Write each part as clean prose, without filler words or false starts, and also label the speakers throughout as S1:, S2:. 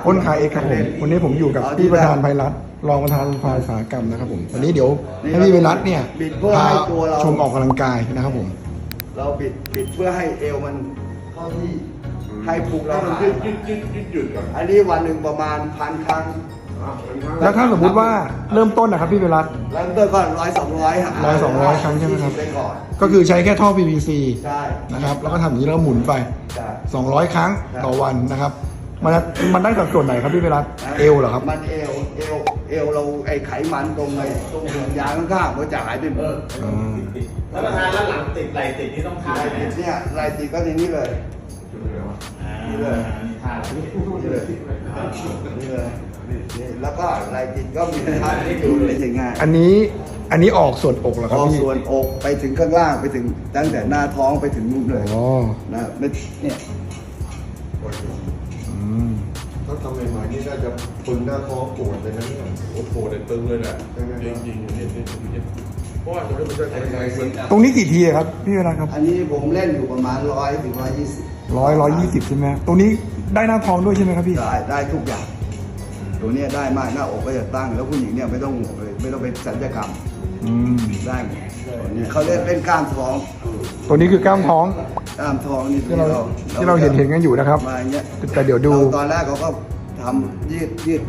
S1: อ้นคายเอกครับผมวันนี้ผมอยู่กับพี่ประธานไพรัตน์รองประธานฝ่ายอุตสาหกรรมนะครับผมวันนี้เดี๋ยวให้พี่ไพรัตน์เนี่ยพาชมออกกำลังกายนะครับผม
S2: เราบิดเพื่อให้เอวมันเข้าที่ให้พุงเราหายยืดก่อนอันนี้วันหนึ่งประมาณ1,000 ครั้ง
S1: แล้วถ้าสมมุติว่าเริ่มต้นนะครับพี่ไพรัตน์
S2: เริ่มต้นก็100-200
S1: ครั้งใช่ไหมครับ
S2: ได้ก่อน
S1: ก็คือใช้แค่ท่อ PVC
S2: ใช่
S1: นะครับแล้วก็ทำอย่างนี้แล้วหมุนไป200 ครั้งต่อวันนะครับมันได้จากส่วนไหนครับพี่ไพรัตน์เอวเหรอครับ
S2: มันเอวเราไอ้ไขมันตรงห่วงยางข้างๆมันจะหายไปหมด
S3: แล้วประธานแล้วหลังติดไหลติดนี่ต้องท่าไหน
S2: เนี่ยไหลติดก็ในนี้เลยนี่เลย
S3: ท่า
S2: นี่เลยนี่เลยนี่แล้วก็ไหลติดก็มีท่าที่ดูเลยง่าย
S1: อันนี้ออกส่วนอกเหรอครับพี่
S2: ส่วนอกไปถึงข้างล่างไปถึงตั้งแต่หน้าท้องไปถึงมุมเลยนะเนี่ย
S4: ถ้าทำใหม่ๆนี่น่าจะปึงหน้าท้องปวดเลยนะเนี่ยโอ้โหปวดเลยตึงเลยแหละจริงๆเนี่ยเพราะว่าตรงนี้มันจะแข็งแรง
S1: ตรงนี้กี่ทีครับพี่เวลาครับ
S2: อันนี้ผมเล่นอยู่ประมาณ100-120
S1: 120ใช่ไหมตรงนี้ได้หน้าท้องด้วยใช่ไหมครับพี่
S2: ได้ทุกอย่างตัวนี้ได้มากหน้าอกก็จะตั้งแล้วผู้หญิงเนี่ยไม่ต้องห่วงเลยไม่ต้องไปศัลยกรรมได้เขาเล่นกล้ามท้อง
S1: ตัวนี้คือกล้ามท้อง
S2: นี่
S1: ที่เราเห็นกันอยู่นะครับแต่เดี๋ยวดู
S2: ตอนแรกเขาก็ทำยืดไป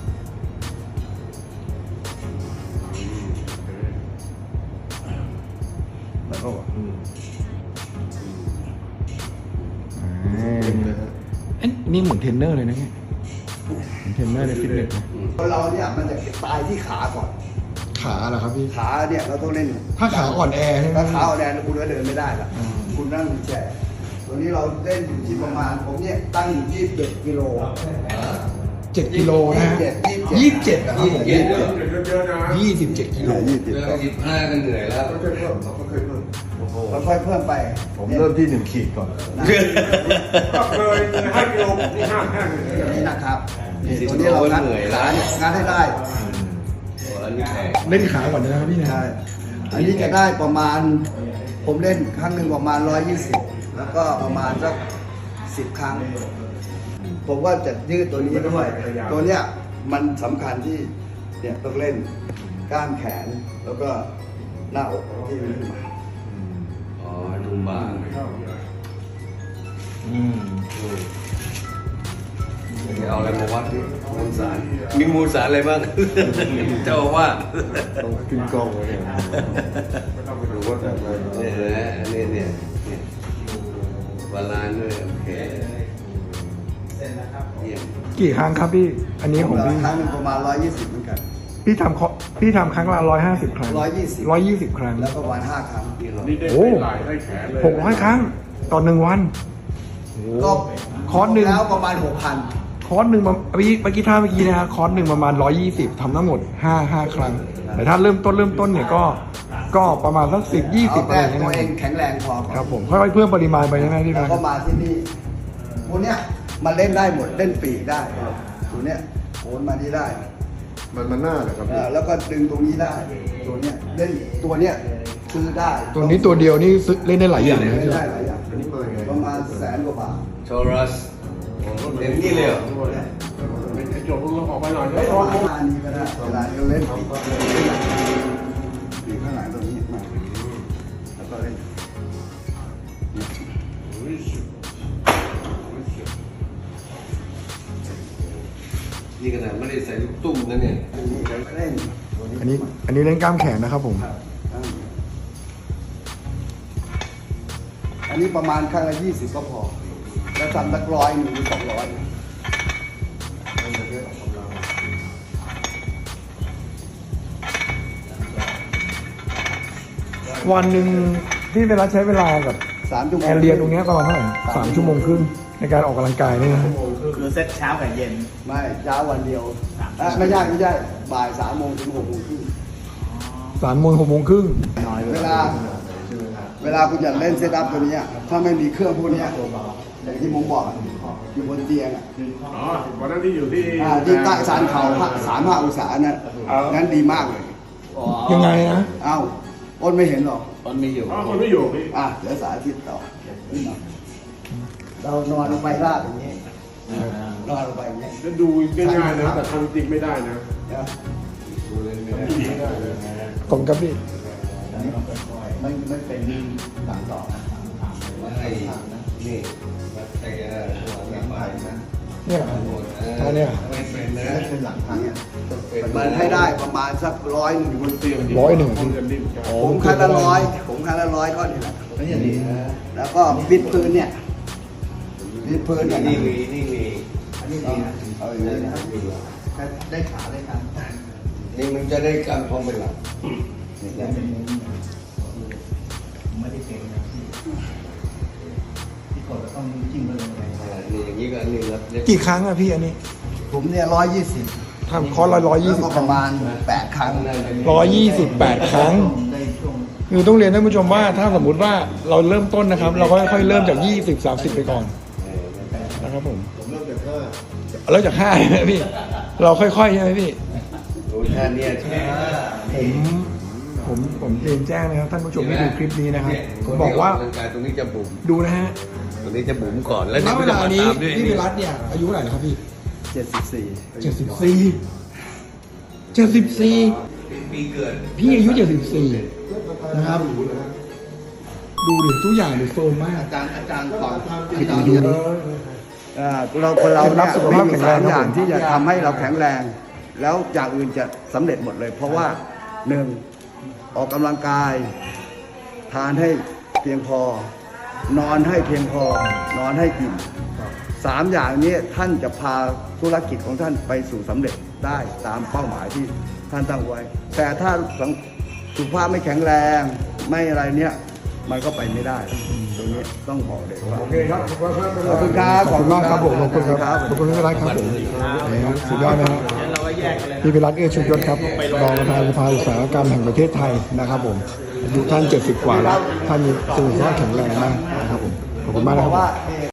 S2: แล้วก็
S1: นี่เหมือนเทรนเนอร์เลยนะเนี่ยเทรนเนอร์ในฟิตเนส
S2: เราเนี่ยมันจะตายที่ขาก่อน
S1: ขาเหรอครับพี่
S2: ขาเนี่ยเราต้องเล่น
S1: ถ้าขาอ่อนแอใช่ไหม
S2: ถ้าขาอ่อนแอคุณก็เดินไม่ได้ละคุณนั่งแช่ตัวนี้เราเล่นอยู่ที่ประมาณผมเนี่ยตั้งอยู่27 กิโล
S1: 7 กิโลนะ27นะครับผม27 กิโล
S3: 25ก็เหนื่อยแล้ว
S4: ค่อยๆเพิ่ม
S2: ค่อยๆเพิ่มไป
S4: ผมเริ่มที่1 ขีดก่อนก็เคย5 กิโลนี่5
S2: นี่นะครับตัวนี้เรางัดให้ได้
S1: เล่นขาก่อนนะครับพี่นะ
S2: อันนี้จะได้ประมาณผมเล่นครั้งหนึ่งประมาณ120แล้วก็ประมาณสัก10 ครั้งผมว่าจะยืดตัวนี้ด้วยตัวเนี้ยมันสำคัญที่เนี่ยต้องเล่นก้านแขนแล้วก็หน้าอกที่มันขึ้นมา
S3: ดูบางเอาอะไรมาวัดดิมูลสารมีมูลสารอะไรบ้างเจ้าว่า
S4: ต้องกินกองเลยดูว่าแต่
S3: เนี่ยบาลานซ์ด้วยโอเค
S1: กี่ครั้งครับพี่อันนี้ของพี่
S2: ครั้งนึงประมาณ120เหมือนกัน
S1: พี่ทำครั้งละ150 ครั้ง120 ครั้ง
S2: แล้วก็วัน5 ครั้ง
S1: โอ้600 ครั้งต่อ1 วัน
S2: ก็
S1: คอร์สหนึ่ง
S2: แล้วประมาณ 6,000
S1: คอร์สหนึ่งเมื่อกี้นะคอร์สหนึ่งประมาณ120ทำทั้งหมด5 ครั้งแต่ถ้าเริ่มต้นเนี่ยก็ประมาณสัก10-20อะไร
S2: ตัวเองแข็งแรงพอ
S1: ครับผมค่อยๆเพิ่มปริมาณไปใช่ไหมพี่
S2: แล้วก็มาที่นี่ตัวเนี้ยมันเล่นได้หมดเล่นปีกได้ตัวเนี้ยโอนมาที่ได้
S4: มันหน้าเหรอครับ
S2: แล้วก็ดึงตรงนี้ได้ตัวเนี้ยเล่นตัวเนี้ยซื้อได้
S1: ตัวนี้ตัวเดียวนี่เล่นได้หลายอย่าง
S2: เล่นได้หลายอย่างประมาณ100,000 กว่าบาท
S3: โชรัสเต็มที่เลย
S4: จบลงออกไปหน่อย
S2: ประมาณนี้ก็ได้เวลาเราเล่นปีกข้างหลังตรงนี้มาแล้วก็เล่น
S3: นี่ขนาดไม่ได้ใส่ลูกตุ้มนะเนี่ย
S1: อันนี้เล่นกล้ามแขนนะครับผม
S2: อันนี้ประมาณครั้งละ20ก็พอแล้วทำสัก100 หรือ 200
S1: วันหนึ่งที่เวลาใช้เวลากับ
S2: 3 ชั่วโมง
S1: แอร์เรียนตรงนี้ประมาณเท่าไหร่3 ชั่วโมงครึ่งในการออกกำลังกายนี่นะ
S3: คือเซตเช้ากับเย็น
S2: ไม่เช้าวันเดียวไม่ใช่บ่าย3 โมงถึง 6 โมงครึ่ง
S1: 3 โมง 6 โมงครึ่ง
S2: เวลาคุณจะเล่นเซตอัพตัวนี้ถ้าไม่มีเครื่องพวกนี้อย่างที่ผมบอกอยู่บนเตียง
S4: วันนั้นที่อยู่ที่
S2: ใต้ชานเขา35 องศานะงั้นดีมากเลย
S1: ยังไงนะ
S2: อ้นไม่เห็นหรอก
S3: อ้นไม่อยู่
S4: อ้นไม่อยู่พี่
S2: เดี๋ยวสาธิตต่อเรานอนลงไปราบอย่างนี้นอนลงไปอย่างเงี้ย
S4: จะดูง่ายๆนะแต่ทำจริงไม่ได้นะ
S2: นะ
S3: ดูเล่นไม่ได้
S4: ไม่ได้เลย
S1: ขอบคุณครับพี่
S2: มันเป็นหลังต่อนะ
S3: ไอ้นี่ไอ้ตัวน้ำมันนะ
S1: เนี่ยอันเนี้ย
S3: ไม่เป็นนะ
S2: ไม่เป็นหลังทางเนี่ย
S3: เป็น
S2: มันให้ได้ประมาณสัก100
S4: บนเตียง
S1: 100
S4: กันดิ้นกัน
S2: ผมคันละ100ผมคันละ100ก็นี่แหละแล้วก็บิดพื้นเนี่ยบิดพื้นเนี่ย
S3: นี่มีนี่มี
S2: อันนี้ดีนะเอาอย่างนี้นะครับได้ขาได้ขา
S3: นี่มันจะได้การพร้อมเป็นหลัก
S2: ไม่ได้เก่งนะที่กดต้องจิ้มไปเลย
S3: นี่อย่างนี้ก็อันหนึงครับ
S1: กี่ครั้งอะพี่อันนี้
S2: ผมเนี่ย120
S1: ทำคอร์สละ120
S2: แล้วก็
S1: ค
S2: ป
S1: รั้ง
S2: ระมาณ8 ครั้ง
S1: 128 ครั้ง
S2: ได้ช่วง
S1: คือต้องเรียนท่านผู้ชมว่าถ้าสมมุติว่าเราเริ่มต้นนะครับ เราก็ค่อยๆเริ่มจาก 20-30 ไปก่อนนะครับผม
S4: ผมเริ่มจาก5
S1: เริ่มจาก5ใช่ไหมพี่ เราค่อยๆใช่ไหมพี่
S3: โอ้ยท่านเนี่ยใช่
S1: ผมเรียนแจ้งนะครับท่านผู้ชมที่ดูคลิปนี้นะครับผมบอกว่า
S3: ตรงนี้จะบุ๋ม
S1: ดูนะฮะ
S3: ตรงนี้จะบุ๋มก่อนแล้ว
S1: ณเวลานี้
S3: ด้วย
S1: พี่วิรัตเนี่ยอายุเท่าไหร่แล้วครับพี่
S2: 74
S1: 74
S3: ปีเกิด
S1: พี่อายุ74นะครับดูดิทุกอย่างดูโซมมาก
S2: อาจารย์สอนที่เราเนี่ยเราคนเรา
S1: รั
S2: เนี่ย
S1: บสุขภาพ
S2: มี
S1: แข็งแรง
S2: 3 อย่าง
S1: ครับผม
S2: ที่จะทำให้เราแข็งแรง แล้วอย่างอื่นจะสำเร็จหมดเลย เพราะว่า 1. ออกกำลังกาย ทานให้เพียงพอ นอนให้เพียงพอ นอนให้อิ่ม3 อย่างนี้ท่านจะพาธุรกิจของท่านไปสู่สำเร็จได้ตามเป้าหมายที่ท่านตั้งไว้ แต่ถ้าสุขภาพไม่แข็งแรงไม่อะไรเนี่ยมันก็ไปไม่ได้ตรงนี้ต้องบอกเลยว่า
S1: โอเคครับ
S2: ขอบคุณครับ
S1: ขอบคุณมากครับผมขอบคุณครับขอบคุณพี่วิรัตครับผมสุดยอดนะครับพี่วิรัตเอื้อชุมยศครับรองประธานสภาอุตสาหกรรมแห่งประเทศไทยนะครับผมอายุท่าน70 กว่าแล้วท่านมีสุขภาพแข็งแรงมากนะครับผมขอบคุณมากนะครับ
S2: ว่า